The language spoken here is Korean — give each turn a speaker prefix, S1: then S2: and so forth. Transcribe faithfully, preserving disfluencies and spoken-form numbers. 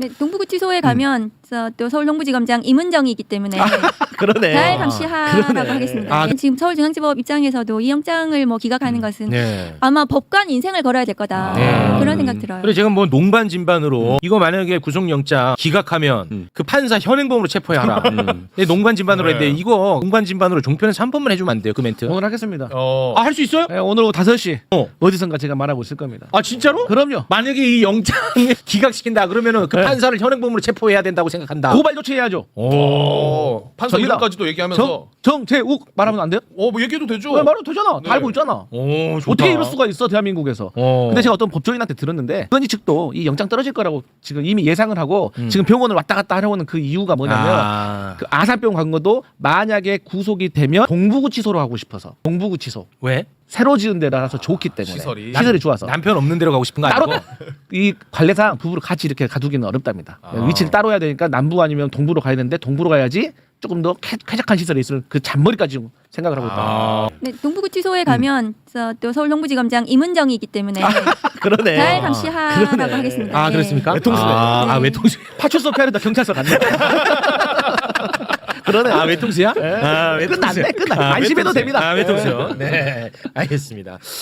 S1: 네, 동부구치소에 가면 저, 또 서울동부지검장 임은정이기 때문에
S2: 그러네.
S1: 잘 감시하라고
S2: 그러네.
S1: 하겠습니다.
S2: 아,
S1: 네, 지금 서울중앙지법 입장에서도 이 영장을 뭐 기각하는 것은
S3: 네.
S1: 아마 법관 인생을 걸어야 될 거다.
S3: 네.
S1: 그런 생각 들어요.
S3: 그리고 지금 뭐 농반진반으로 이거 만약에 구속영장 기각하면
S2: 음.
S3: 그 판사 현행범으로 체포해야 하라.
S2: 음.
S3: 네, 농반진반으로
S4: 네.
S3: 했는데 이거 농반진반으로 종편에서 한 번만 해주면 안 돼요 그 멘트?
S2: 오늘 하겠습니다.
S4: 어.
S3: 아 할 수 있어요?
S2: 네, 오늘 오후 다섯 시
S3: 어.
S2: 어디선가 제가 말하고 있을 겁니다.
S3: 아 진짜로?
S2: 그럼요.
S3: 만약에 이 영장 기각시킨다 그러면은 그
S2: 네.
S3: 판사를 현행범으로 체포해야 된다고 생각한다.
S2: 고발 조치해야죠.
S4: 오. 판사
S2: 접니다.
S4: 이름까지도 얘기하면서.
S2: 정 정재욱 말하면 안 돼요?
S4: 어, 뭐 얘기해도 되죠.
S2: 네, 말해도 되잖아.
S4: 네.
S2: 다 알고 있잖아.
S3: 오, 좋다.
S2: 어떻게 이럴 수가 있어 대한민국에서.
S3: 어.
S2: 근데 제가 어떤 법조인한테 들었는데 의원이 측도 이 영장 떨어질 거라고 지금 이미 예상을 하고
S3: 음.
S2: 지금 병원을 왔다 갔다 하려는 그 이유가 뭐냐면
S3: 아.
S2: 그 아산병 간 것도 만약에 구속이 되면 동부구치소로 하고 싶어서 동부구치소
S3: 왜?
S2: 새로 지은 데라서 좋기 때문에
S4: 시설이.
S2: 시설이 좋아서
S3: 남편 없는 데로 가고 싶은 거
S2: 따로
S3: 아니고?
S2: 이 관례상 부부를 같이 이렇게 가두기는 어렵답니다.
S4: 아.
S2: 위치를 따로 해야 되니까 남부 아니면 동부로 가야 되는데 동부로 가야지 조금 더 쾌, 쾌적한 시설이 있을 그 잔머리까지 생각을 하고 있다.
S3: 아.
S1: 네, 동부구치소에 가면 저, 또 서울동부지검장 임은정이기 때문에
S2: 그러네.
S1: 잘 감시하라고
S2: 그러네.
S1: 하겠습니다.
S3: 아
S1: 네.
S3: 그렇습니까?
S2: 외통수네.
S3: 아, 아
S1: 네.
S3: 외통수.
S2: 파출소 피하려다 경찰서 갔네. 그러네.
S3: 아 외통수야? 아
S2: 끝났네. 끝났네. 안심해도 됩니다.
S3: 아 외통수. 네 알겠습니다.